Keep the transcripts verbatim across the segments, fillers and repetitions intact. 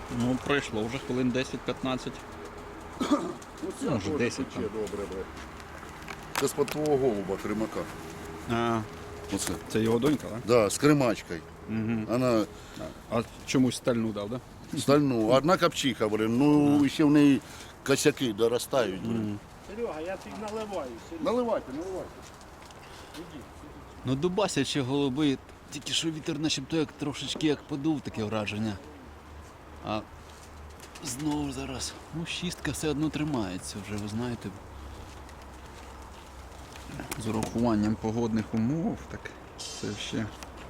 Ну, пройшло вже хвилин десять-п'ятнадцять. Ну, вже десять там. добре, бре. Це з-под твого голуба, кримака. А, Оце. це його донька, так? Да, з кримачкою. Угу. Вона А чомусь стальну дав, так? Да? стальну. Одна копчиха, блин, ну ще в неї косяки доростають. Блин. Серега, я тобі наливаю. Серега. Наливайте, наливайте. Ну, дубасячі голуби, тільки що вітер начебто як трошечки як подув, таке враження. А знову зараз, ну, шістка все одно тримається вже, ви знаєте. З урахуванням погодних умов, так це ще.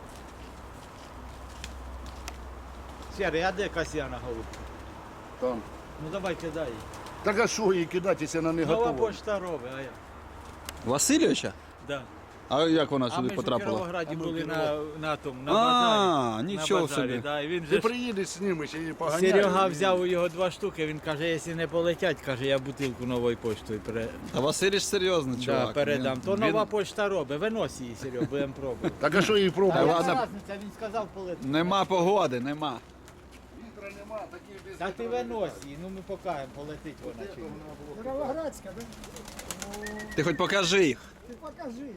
Серый, а де Касьяна голубка? Там. Ну давай кидай її. Так а що їй кидати, якщо вона не Нова готова? почта робить, а я. Васильовича? Да. А як вона А сюди ми ж у потрапила? Кіровограді були на, на тому, на А, базарі. нічого на базарі, собі. Да, і він Ти же ж- приїдеш з ними, ще її поганяєш. Серега взяв у його два штуки, він каже, якщо не полетять, каже, я бутилку новою поштою пере... Та Васильович серйозний да, чувак. передам. Він- То він- нова почта робить, винось її, Серега, будемо пробувати. Так а що її Та пробувати? ладно. яка разниця, він сказав полетить. Нема погоди, нема. Вітра нема, такі без Та ти винось її, ну ми покажемо, полетить вона чи ні. Кіровоградська, да? Ти хоч покажи їх. Ти покажи.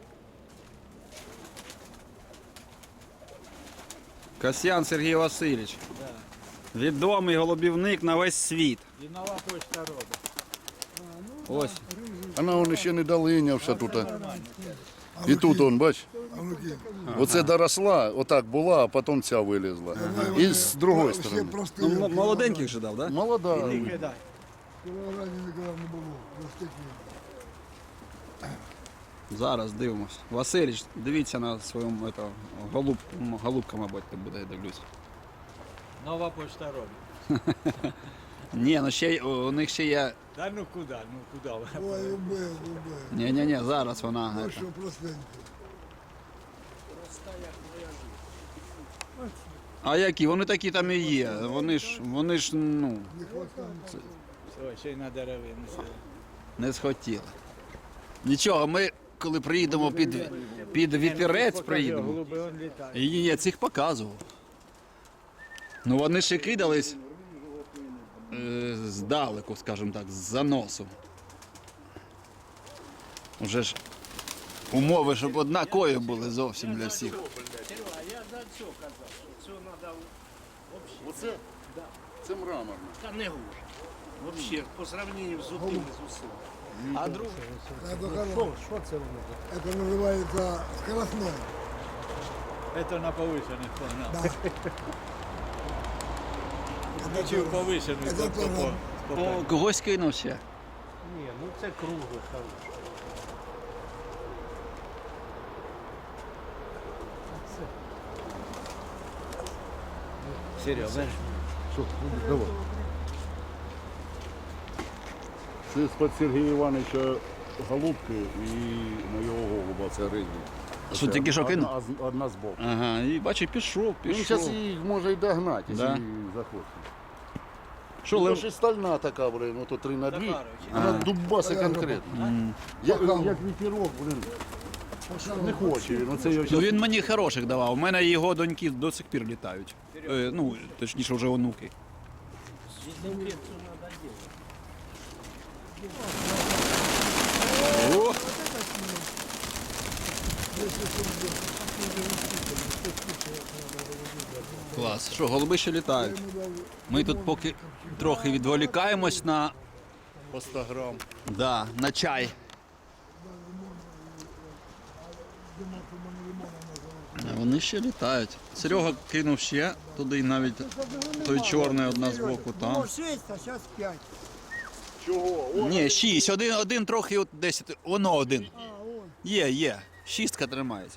Касьян Сергій Васильович. Да. Відомий голубівник на весь світ. І нова почта робить. Ось. Вона вон ще не долинявся тут. І тут он, бач, оце доросла, отак була, а потім ця вилізла. І з другої сторони. Ну, м- молоденьких же дав, так? Да? Молода. Ти кидай. В Кіровограді ніколи не було. Ростики. Зараз дивимось. Васильович, дивіться на своєму ето, голуб, м, голубка, мабуть, тут буде, я дивлюсь. Нова почта робить. Ні, ну ще й- у них ще є. Та ну куди, ну куди? Ой, убив, убив. Ні, ні, ні, зараз вона. Ну ето. що, простенько. А які? Вони такі там і є. Вони ж, вони ж, ну, Не хватає. Все, ще й на деревину. не схотіли. Нічого, ми коли приїдемо під, під вітерець, приїдемо. Голуби он літає. І ні, я цих показував. Ну вони ще кидались е, здалеку, скажімо так, з заносу. Уже ж умови, щоб однакові були зовсім для всіх. Я за що казав, що цього треба Оце? Це мраморна. та не гуже. Взагалі, по сравненню з одним з усім. А друге? Це хороше. Що це воно? Це називається скоростной. Це на повишених погнав. Да. Включив повишений. Це по- по- тоже. по- по- О, когось кинув ще. Ні, ну це кругле, хороше. Серйозно? Що? Давай. Це з-під Сергія Івановича голубки і моєго голуба, це ризні. Що, тільки що кинув? Одна, з- одна з боку. Ага, і бачу, пішов, Він пішов. зараз їх може й догнати, якщо Да. да. захоче. Що, Ну, лев... ще стальна така, блин, ото три на дві. Захарович. Вона дубаса конкретно. М. Як, як вітерок, блин, не хоче він. Оце його Ну щас... він мені хороших давав. У мене його доньки до сих пір літають. Е, ну, точніше, вже онуки. О! Клас. Що, голуби ще літають. Ми тут поки трохи відволікаємось на, по сто грам. да, на чай. А Вони ще літають. Серега кинув ще туди навіть той чорний одна з боку там. Було шість, а зараз п'ять. Чого? О, Ні, шість. Один, один трохи от десять. Воно один. А, он. Є, є. Шістка тримається.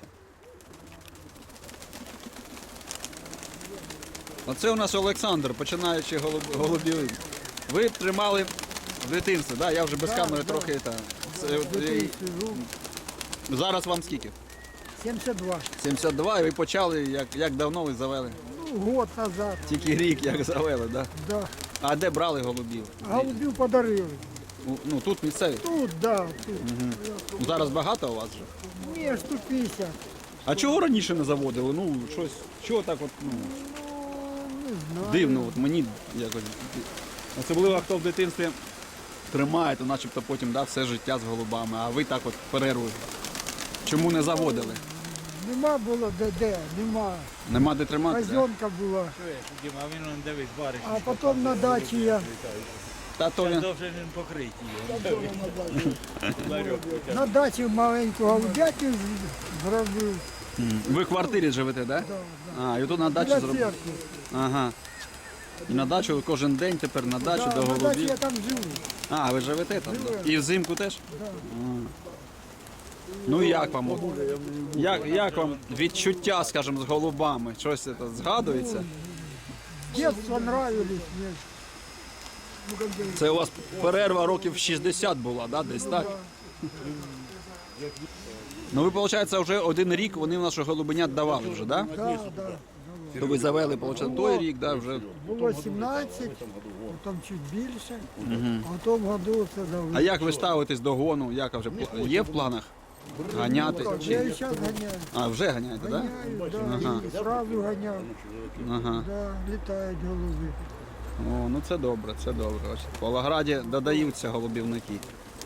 Оце у нас Олександр, починаючи голуб, голубівник. Ви тримали в дитинстві, да? Я вже без камери трохи. Та, це, от, і- Сижу. зараз вам скільки? сімдесят два. сімдесят два, і ви почали, як, як давно ви завели? Ну, год назад. Тільки рік як завели, да? Да. А де брали голубів? Голубів подарили. У- Ну тут місцеві. Тут, да, тут. Ну, зараз багато у вас вже. Ні, штук п'ятдесят. А чого раніше не заводили? Ну, щось, чого так от, ну. Ну, не Дивно, от мені якось. Особливо хто в дитинстві тримає, то начебто потім да, все життя з голубами, а ви так от перерву. Чому не заводили? Нема було де, де, нема. Нема де тримати? Да? Казенка була. Чуєш, Діма, а він он дивись, бариш. А потім на дачі я. Та то він. Довше він покриті його. На дачі маленьку голубятню з- зробив. М. Ви в квартирі живете, так? Да? А, і тут на дачу Для зробили. церкви. Ага. І на дачу кожен день тепер на дачу Да, до на дачі голубів. я там живу. А, ви живете там? Да? І взимку теж? А. Ну і як вам? от? Як, як вам відчуття, скажімо, з голубами? Щось це згадується? Дітство нравились мені. Це у вас перерва років шістдесят була, да? Десь так? Ну ви, виходить, вже один рік вони в наших голубенят давали вже, да? Да, да. То ви завели, виходить, той рік, да, вже. Було сімнадцять, потім чуть більше, а в тому году це дали. А як ви ставитесь до гону? Як вже пл- є в планах? Ганяти? Я і Чи... зараз ганяю. А, вже ганяєте, так? Ганяю, да, і сразу ганяв. Да? Ага. Да, літають голуби. О, ну це добре, це добре. Ось в Павлограді додаються голубівники.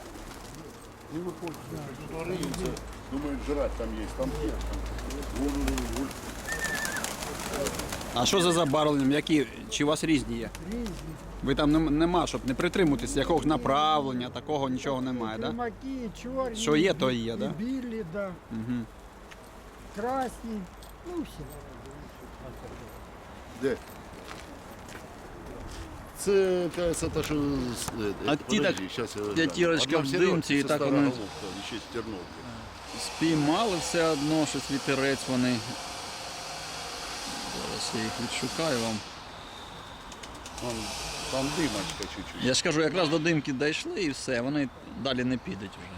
Думають, жрать там є, там є. Вон, вон, вон. А що за забарвленням? Які? Чи у вас різні є? Різні. Ви там нем- нема, щоб не притримуватись якогось направлення, такого нічого немає, так? Да? Кримаки, чорні. Що є, то і є, і да? білі, да. Угу. Красні. Ну всі. Де? Це, кажется, та, що... з- е, А е, ті подожди, так щас я гляну. п'ятірочка Одна в Серега, димці, і це так стара вони- головка, ще з Терновки. Спіймали все одно, щось вітерець вони. Зараз я їх відшукаю вам. Вон, там димочка чуть-чуть. Я ж кажу, якраз до димки дійшли і все, вони далі не підуть вже.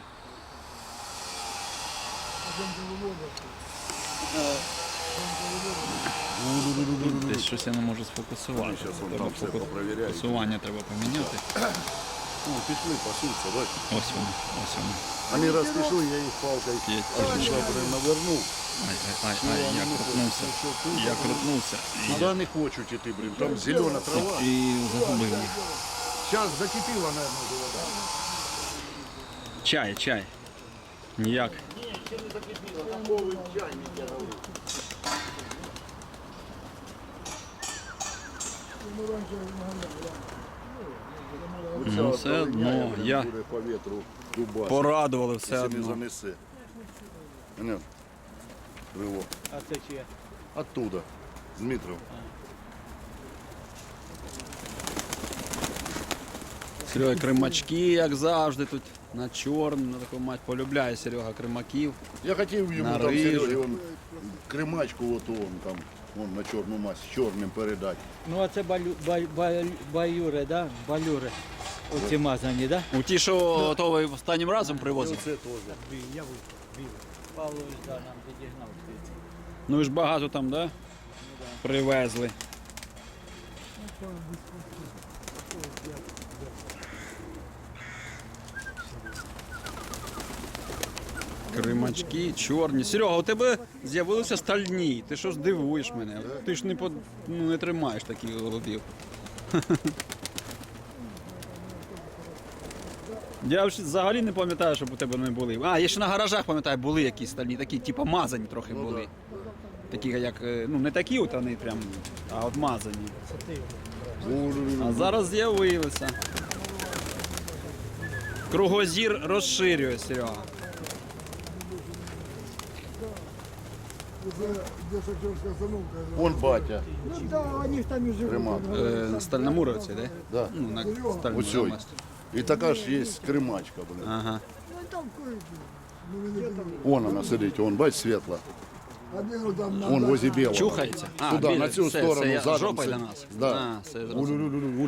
Десь щось я не можу сфокусувати. Щас вон Треба там все фоку- попровіряють. Фокусування треба поміняти. Ну, пішли, пасуться, бач. Ось вони, ось вони. Вони раз пішли, я їх палкою П'ятірочка. навернув. Ай, ай, ай, ай, я крутнувся. Я крутнувся. І, Туди не хочуть іти, блін, там зелена трава. і загубив їх. Зараз закипіла, мабуть, вода. Чай, чай. Ніяк. Ну, все одно, я Буде по вітру дубас. порадували все Якщо не одно. занесе. Понятно? Ривок. А це чиє? Оттуда. З Дмитров. Серега, кримачки, як завжди, тут на чорну, на таку мать полюбляє Серега кримаків. Я хотів йому На там рижу. Серегі, он, кримачку, от он там, он на чорну мазь, з чорним передати. Ну а це балю, бай, бай, баюри, да? Балюри. Оці мазані, да? У ті, що то ви останнім разом привозили. Оце теж. Я Павлович, да, нам підігнав. Ну ви ж багато там, да? Привезли. Кримачки, чорні. Серега, у тебе з'явилися стальні. Ти що ж дивуєш мене? Ти ж не, по... ну, не тримаєш таких голубів. Я ж взагалі не пам'ятаю, щоб у тебе не були. А, я ще на гаражах пам'ятаю, були якісь стальні, такі, типу мазані трохи були. Такі, як, е, ну не такі от вони прям, а от мазані. А зараз з'явилися. Кругозір розширює, Серега. Вон батя. Ну да, вони ж там і живуть. Кримак. Е, на Стальномуровці, да? Да. Ну, на стальному Ось ой. мості. І така ж є кримачка, блин. Ага. Ну там кое-що. Вон вона сидить, вон, бач, світла. Вон возле білого. Чухається? А, Туди, біля- на цю це- сторону, це я- задом жопа для сидить. нас. Да. А, це зрозуміло. Уль-уль-уль-уль.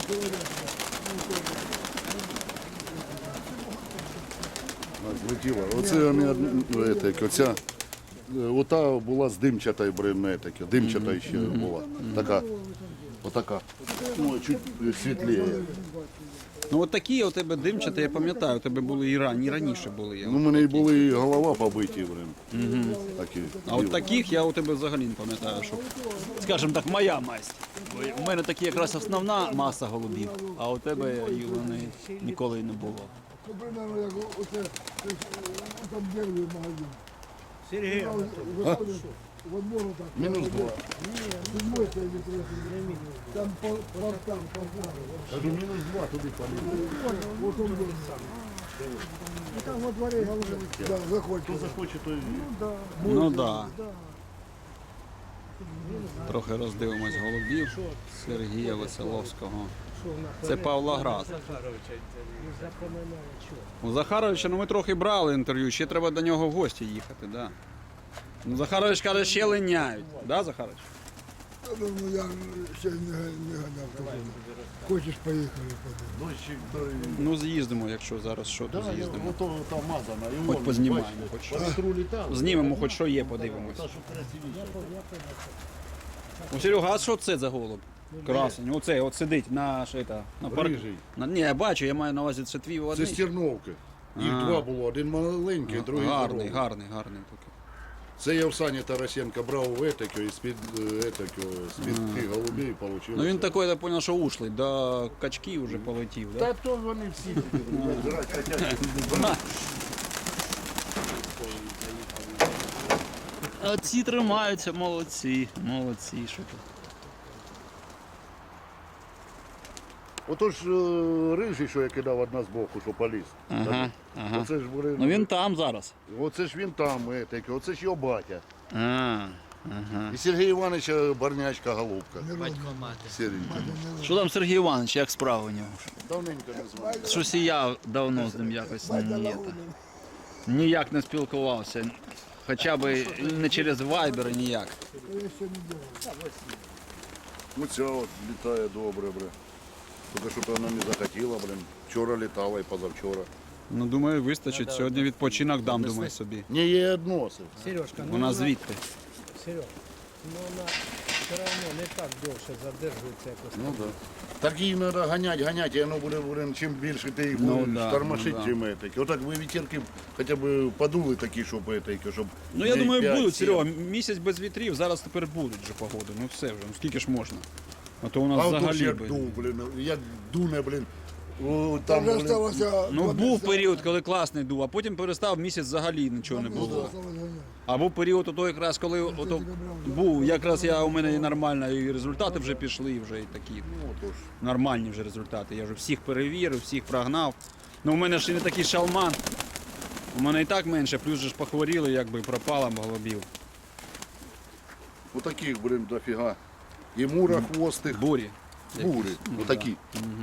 Злетіла. Оце вони, од- етик, оця, е, ота була з димчатою бринетики, димчата ще була. Така, отака. Ну, чуть світліє. Ну от такі у тебе димчаті, я пам'ятаю, у тебе були і рані, і раніше були. Ну, у мене і були і голова побиті, блин. Угу. Такі. А от таких я у тебе взагалі не пам'ятаю, що. Скажімо так, моя масть. У мене такі якраз основна маса голубів, а у тебе і вони ніколи не було. Це примерно як оце, там дерев'я магазин. Сергій, Виходиш, в одному так. Мінус два. Седьмой це не Там по портам, по Кажу, мінус два туди поліз. Вот он был. И там во дворе, да, заходит. Хто захоче, той... Ну так. Да. Трохи роздивимось голубів Сергія Веселовського. Це Павлоград. У Захаровича, ну ми трохи брали інтерв'ю, ще треба до нього в гості їхати, да. Ну, Захарович каже, ще линяють. Да, Захарович? Ну, я ще не, не ганяв туди. Хочеш, поїхали подивимось. Дощик, той... Ну з'їздимо, якщо зараз що, то Да, я, з'їздимо. ото там мазана. І Хоч вон, познімаємо, бачите, хоч по що. вітру літав. Знімемо, хоч що є, подивимось. Та, що красивіше. О, Серега, а що це за голуб? Красень. Оцей, от сидить на що це, на парк. Рижий. На, ні, я бачу, я маю на увазі, це твій Це одний. стерновки. Їх А. два було, один маленький, другий Гарний, здоровий. гарний, гарний такий. Це я в Сані Тарасенка брав в етакю і з-під е, етакю, з-під тих голубів получилось. Ну він такий, я зрозумів, що ушлий, до качків вже полетів, да? Та то вони всі грати хотять. А ці тримаються, молодці, молодці, що тут. Отож е, рижий, що я кидав одна з боку, що поліз. Ага, ага. Оце ж, блин, Ну він там зараз. оце ж він там, етакий, оце ж його батя. А, ага. І Сергій Івановича Барнячка голубка. батько мати. Сіренька. Що там Сергій Іванович, як справи у нього? Давненько не звали. Щось і я давно з ним якось ні, ніяк не спілкувався. Хоча б не через Viber, ніяк. Я ще не делал. Оця от літає добре, бре. Тільки що вона не захотіла, блин. Вчора літала і позавчора. Ну думаю, вистачить. Сьогодні відпочинок дам, думаю, собі. Не є односи. Сережка, ну Вона звідти. Серег, ну вона все одно не так довше задержується якось. Ну так. Да. Так її треба ганяти, ганяти, і воно буде, блин, чим більше ти їх Ну, будеш да, тормошити, ну, да. чим етакі. Отак ви вітерки хоча б подули такі, щоб етакі, щоб... Ну я днів думаю, п'ять, будуть, сім. Серега, місяць без вітрів, зараз тепер будуть вже погоди. Ну все вже, ну скільки ж можна. А то у нас А от взагалі. як би- дув, блин, як дуне, блин. О, Там там, вже блин, осталося... Ну два був місяці. період, коли класний дув, а потім перестав місяць взагалі нічого не Два місяці було. осталось ганяти. А був період, ото якраз коли ото був, якраз я у мене і нормально, і результати вже пішли, вже і такі ну, отож. нормальні вже результати. Я вже всіх перевірив, всіх прогнав. Ну у мене ж і не такий шалман. У мене і так менше, плюс же ж похворіли, якби пропало голубів. Отаких, блин, дофіга. І мура хвостих, Бурі. бури, якісь. Ну, отакі.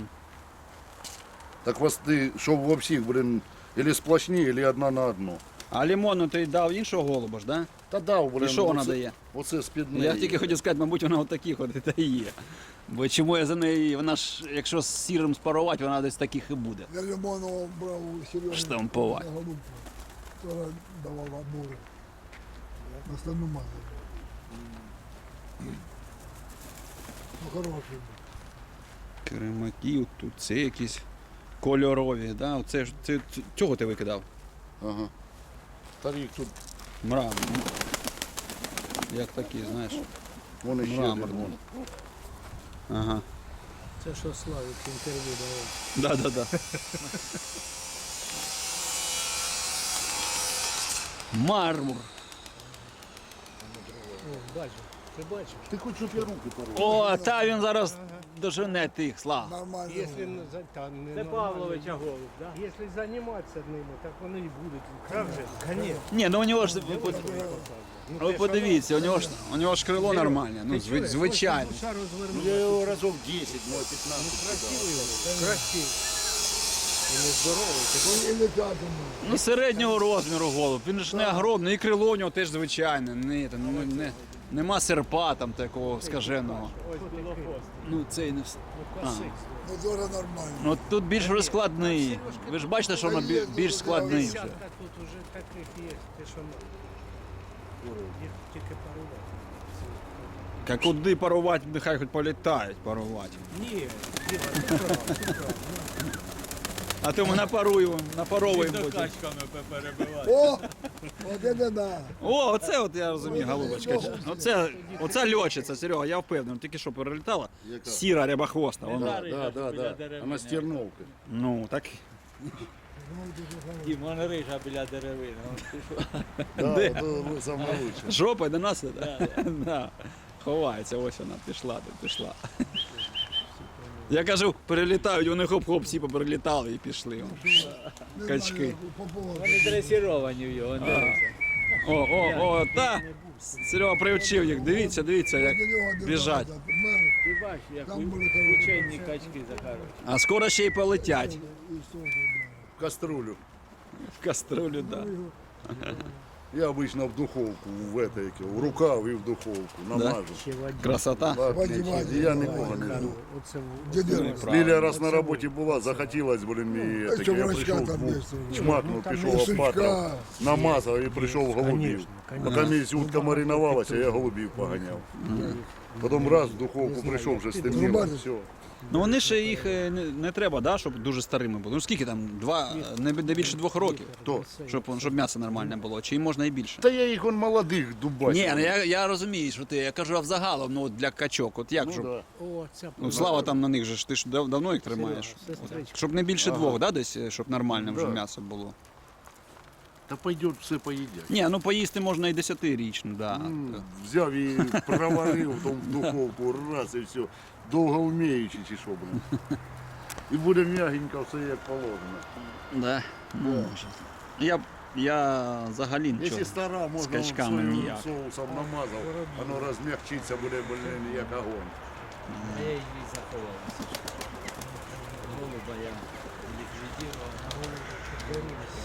Так хвости, щоб во всіх, блин, или сплошні, или одна на одну. А лимону ти дав іншого голуба ж, да? Та дав, блин. І що вона оце- дає? Оце з-під Ну, неї. я тільки хотів сказати, мабуть, вона отакі ходить та і є. Бо чому я за неї, вона ж, якщо з сірим спарувати, вона десь таких і буде. Я Лимонова брав у Сережі. Штампувати. на голубку. Вчора давала бури. На стану мазали. Ну, хороший був. Кремаки, тут це якісь кольорові, да? Оце ж це, це- цього ти викидав? Ага. Та їх тут, Мрамор. Як такі, знаєш. вони ще Мрамор, один, вон. Ага. Це що Славік інтерв'ю давав. Да, да, да. Мармур. О, бачу, ти бачиш. Ти хоч щоб я руки порвав. О, та він зараз дожене тих, слав. Нормально. Якщо було. не за- та, не Це нормально. Павловича голуб, так? Якщо займатися ними, так вони і будуть. Правда? Конечно. Ні, ну у нього ж, ви, под- ви подивіться, у нього ж, У нього ж крило нормальне, ну, зви- звичайно. Душа Ну, розвернув. я його разів десять, може п'ятнадцять. Красивий. І нездоровий. Ну, і летятиме. ну середнього розміру голуб. Він ж не огромний, і крило у нього теж звичайне. Не, там, не, не, нема серпа там такого скаженого. Ось білохост. Ну цей не вс- а. Ну, дуже нормально. Ну тут більш вже складний. Ви ж бачите, що воно бі- більш складний вже. Десятка тут уже таких є. Ти що ну, їх тільки парувати. А куди парувати, нехай хоч політають парувати. Ні, Діма, ти прав, ти прав. А то ми напаруємо, напаровуємо До потім. качками перебивати. О! Оце не да. О, оце от я розумію, голубочка. Оце, оце льочиця, Серега, я впевнений. Тільки що перелітала. Яка? Сіра рябохвоста. Вона. Да, да, да, біля да. деревини. Вона стерновка. Ну, так. Дім, вона рижа біля деревини. Да, то саме лучше. Жопа до нас іде? Да. Ховається, ось вона пішла, тут пішла. Я кажу, перелітають, вони хоп-хоп, всі поперелітали і пішли. Не Качки. знаю, по поводу. Вони дресіровані в його. дивися. О, о, о, та! Серега привчив їх, дивіться, дивіться, як До нього не біжать. багато. Мер, Ти бачиш, як Там були хороші. учені качки захаруть. А скоро ще й полетять. і що ж, В каструлю. В каструлю, так. Да. Я обычно в духовку, в это, яке, в рукав і в духовку намажу. Ще воді. Красота. Ладно, Ваді, і я нікого не жду. Оце Дідя, Лілія раз на роботі була, захотілось, блин, і А таке, що я врачка прийшов, там був, є? чмакнув, там пішов є опатрав, сучка. намазав і прийшов голубів. Конечно, А конечно. камінь утка маринувалася, я голубів поганяв. Потім раз в духовку прийшов, вже стемніло, Рубати? все. Ну вони ще їх е, не, не треба, да, щоб дуже старими були. Ну скільки там? Два, не, не більше двох років. То. Щоб, щоб м'ясо нормальне було, чи можна і більше? Та я їх он молодих дубачив. Ні, ну я, я розумію, що ти, я кажу, а взагалом, ну от для качок, от як, Ну, щоб, да. О, ця ну слава там на них же ж, ти ж дав- давно їх тримаєш. сестричка. Щоб не більше двох, да, десь, щоб нормальне вже Да. м'ясо було. Та пойдет, все поїдять. Ні, ну поїсти можна і десятирічну, да. М, Взяв і проварив там в духовку, раз і все. Довго вміючи чи що, блин. І буде м'ягенько, все як положено. Да. Ну, може. Я, б- я взагалі нічого. Якщо стара, можна з качками соєвим ніяк. соусом намазав, воно розм'якчиться, буде, блин, як огонь. А я її заховав. Голуба я ліквідував.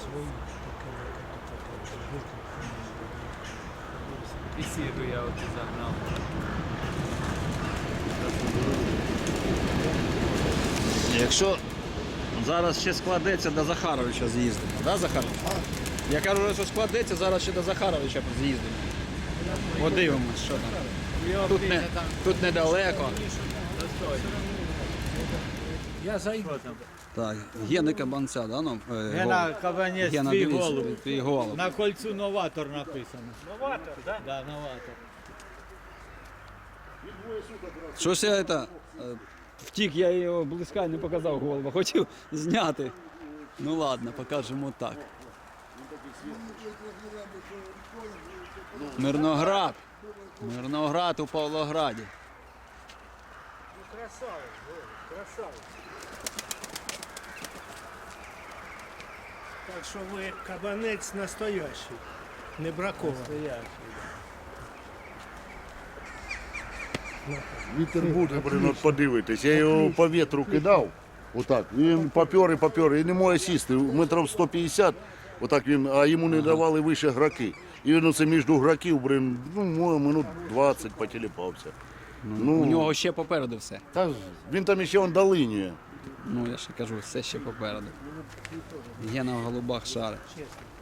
І сіру я от загнав. Якщо зараз ще складеться, до Захаровича з'їздимо, да, Захарович? Я кажу, що складеться, зараз ще до Захаровича з'їздимо. Подивимось, що там. Тут, не, тут недалеко. Я зайду. Так, Гени Кабанця, да? Ну, е, Гена голуб. Кабанець, Гена, твій дивись, голуб. твій голуб. На кольцу новатор написано. Новатор, так? Да, новатор. Щось я це, е, втік, я його близька не показав голуба, хотів зняти. Ну ладно, покажемо так. Мирноград. Мирноград у Павлограді. Ну, красавець, Вова, красавець. Так що ви кабанець настоящий, не бракований. Вітер буде, блин, от подивитись. Я його по вітру кидав, отак. Він попер і попер, і не може сісти. Метрів сто п'ятдесят, отак він, а йому не давали вище граки. І він оце між граків, блин, ну, може, минут двадцять потіліпався. Ну, У нього ще попереду все. та, він там ще он долинює. Ну я ще кажу, все ще попереду. Гена в голубах шарить.